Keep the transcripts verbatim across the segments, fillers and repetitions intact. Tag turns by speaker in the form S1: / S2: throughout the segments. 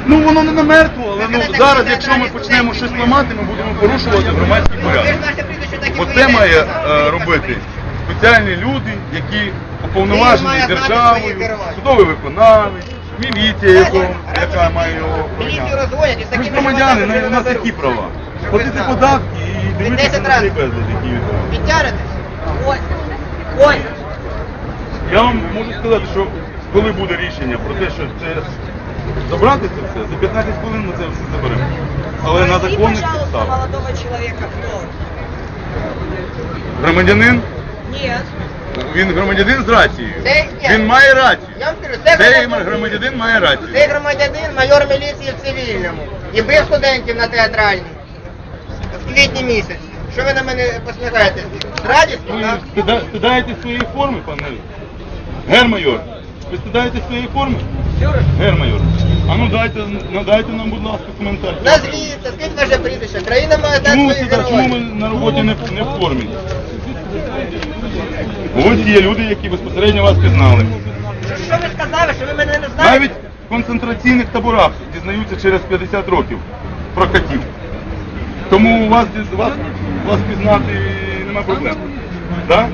S1: Ну воно не на мертво, але ну, зараз, якщо ми почнемо щось ламати, ми будемо порушувати громадський порядок. Оце має е, робити спеціальні люди, які уповноважені державою, судовий виконавець, міліція, яко, яка має його охороняти. Ми ж громадяни, на- у нас які права? Платити податки і дивитися на цей безлад, який відбувається.
S2: Підтягнетесь? Ось. Ось.
S1: Я вам можу сказати, що коли буде рішення про те, що це забрати це все, за п'ятнадцять хвилин ми це все заберемо. Але на
S2: Спроси,
S1: законних
S2: пожалуйста,
S1: підставах.
S2: молодого человека, кто он?
S1: Громадянин,
S2: Нет.
S1: він громадянин з рацією.
S2: Це ні.
S1: Він має рацію.
S2: Я вам кажу, це
S1: Цей
S2: громадянин.
S1: громадянин має рацію.
S2: Цей громадянин, майор міліції в цивільному. І бив студентів на театральній. В квітні місяці. Що ви на мене посміхаєтесь? З радістю,
S1: Ви
S2: так?
S1: стида- стидаєте своєї форми, пане гермайор? Ви стидаєте своєї форми? Гермайор. А ну дайте, надайте нам, будь ласка, коментар.
S2: Назвіться, скільки ваше прізвище? Країна має дати
S1: Чому,
S2: своїх
S1: сюди, чому ми
S2: героїв.
S1: на роботі не, в- не в формі? Ось є люди, які безпосередньо вас пізнали.
S2: Що, що ви сказали, що ви мене не знаєте?
S1: Навіть в концентраційних таборах дізнаються через п'ятдесят років про катів. Тому у вас, діз- вас, вас пізнати нема проблем. Так?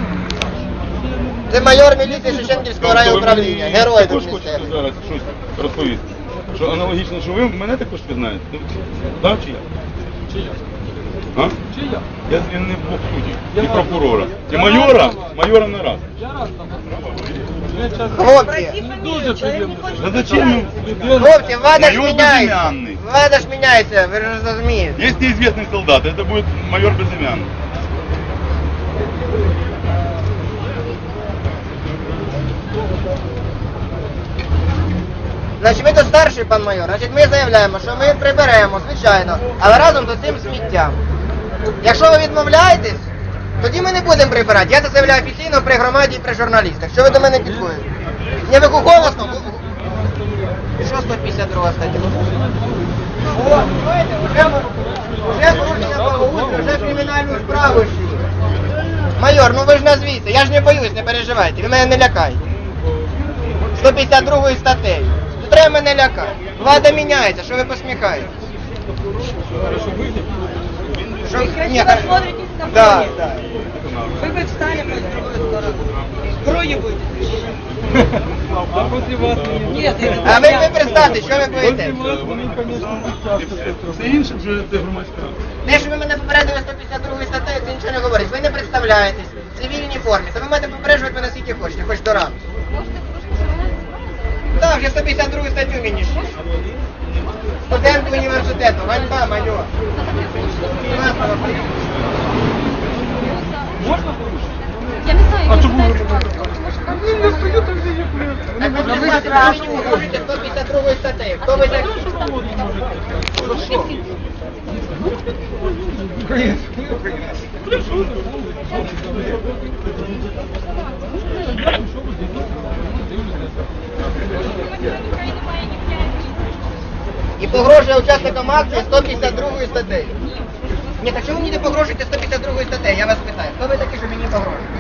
S2: Це майор міліції Шевченківського райуправління. Герой
S1: Також
S2: тут
S1: хочете
S2: місцевий.
S1: зараз щось розповісти. Що аналогічно, що ви мене також пізнаєте? Так чи я? Чи я? А? Чи я? Я звільнив двох суддів. І прокурора. І майора, майора на раз.
S2: Хлопці,
S1: Да зачем?
S2: хлопці, влада ж
S1: Майор
S2: міняється.
S1: безымянный.
S2: Влада ж міняється, ви ж розумієте.
S1: Есть неизвестный солдат, это будет майор Безымянный.
S2: Значить, ви тут старший, пан майор, значить ми заявляємо, що ми приберемо, звичайно, але разом з цим сміттям. Якщо ви відмовляєтесь, тоді ми не будемо прибирати. Я це заявляю офіційно при громаді і при журналістах. Що ви до мене підходите? Не ви голосно? Що сто п'ятдесят друга стаття? О, знаєте, вже, вже порушення благоустрою, вже кримінальну справу йшли. Майор, ну ви ж назвіться, я ж не боюсь, не переживайте, ви мене не лякайте. сто п'ятдесят другою статтею. Не треба мене лякати. Влада міняється, що ви посміхаєтесь? Що? Ні,
S3: Красиво смотритесь на фоне.
S2: да, да.
S3: Вы бы встали по другую сторону. Кровью будете.
S4: А после вас
S3: Нет, это
S2: А ви, ви представте, що ви боїтесь?
S1: Все інше вже це громадська рада.
S2: Те, що ви мене попередили сто п'ятдесят другою статтею, це нічого не говорить. Ви не представляєтесь в цивільній формі, то ви маєте попереджувати мене скільки хочете, хоч до ранку. Так, вже сто п'ятдесят другу статтю мені ще. Студент університету, ганьба, майор.
S3: Я не знаю,
S1: А чому ви
S2: Так ви представте, ви мені погрожуєте сто п'ятдесят другою статтею. Хто ви такі? І погрожує учасникам акції сто п'ятдесят другою статтею. Ні, так чому мені не погрожуєте сто п'ятдесят другою статтею? Я вас питаю. Хто ви такі, що мені погрожуєте?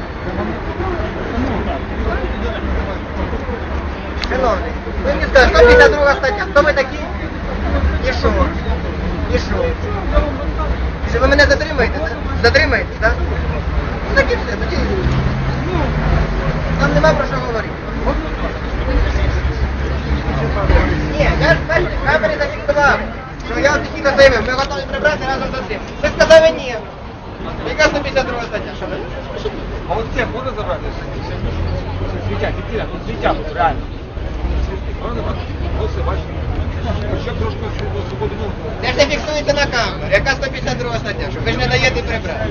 S2: Шановний, ви мені скажете, сто п'ятдесят друга стаття. Хто ви такі? І що? І що? Що ви мене затримаєте? так? Затримаєтесь, так? Ну так і все, тоді. Там нема про що говорити. Ні, я ж бачите, камері зафіксував, що я офіційно заявив, ми готові прибрати разом з цим. Ви сказали ні. Яка сто п'ятдесят друга стаття? Що ви?
S4: А вот всех можно забрать? Светя, фитиля, тут светя, тут реально. Можно забрать? Вот все, бачите. Ще трошки свободи мову.
S2: Це ж не фіксується на камеру. Яка сто п'ятдесят друга стаття? Що ви ж не даєте прибрати.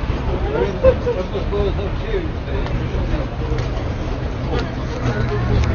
S4: Просто